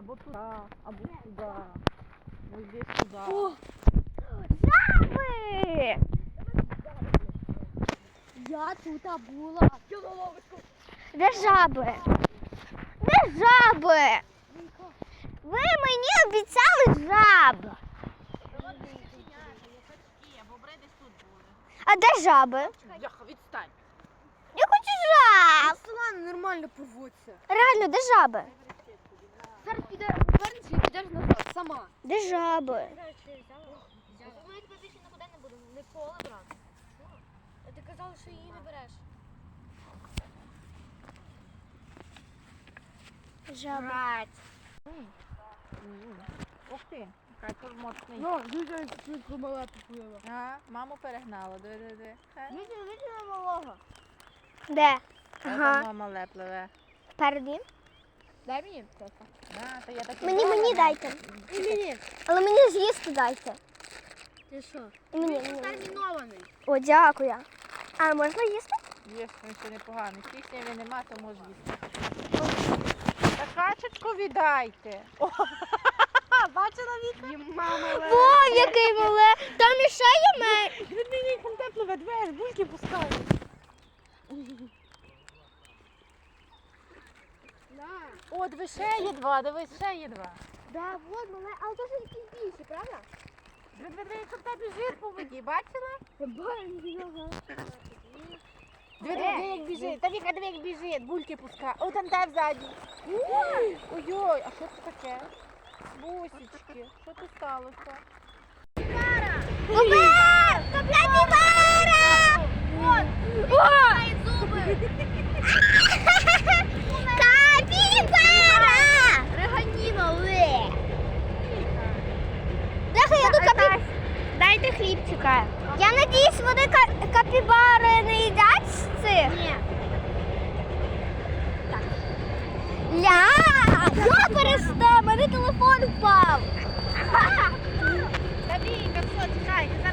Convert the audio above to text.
або туди, або сюди. Ось десь сюди. О! Жаби! Я тут була. Де жаби? Де жаби? Ви мені обіцяли жаб. Бобри десь тут були. А де жаби? Бляха, відстань. Я хочу жаб. Руслан нормально поводься. Реально, де жаби? Зараз повернешся і підеш назад, сама. Де жаби? Ми тебе більше нікуди не будемо, не в поле брати. А ти казала, що її не береш. Жаби. Ух ти, яка тут моцний. Ну, дуже швидко мала поплила. А, маму перегнала, диви. Виділа малого. Де? Ага. Ага. Мама лепливе. Перед ним. Дай мені. А, то я так Мені дайте. І мені. Але мені з'їсти дайте. Ти що? І мені. Термінований. О, дякую. А можна їсти? Є, він ще непоганий. Кисняві нема, то може їсти. Та качечку віддайте. О, бачила Віка? Мама. Вау, який мале! Там іще є мей. Він там тепливе, двері, бульки пускає. О, диви, ще є два, дивись, ще є два. Да, вот мале, але то ж якісь більші, правда? Диви, як в тебе жир по воді, бачила? Диви, як біжить. Та Віка, диви, як біжить, бульки пускає. О, там та ззаді. Ой-ой, а що це таке? Бусічки, що тут сталося? Бубер! Капібара! О! Зуби! Капібара! Реганіно, ви! Даха, я тут Дайте хлібчика. Я надіюсь, вони капібари не їдять з цих? Ні. Ля! Я пересте, мене телефон впав. Та Віка, все, чекай, не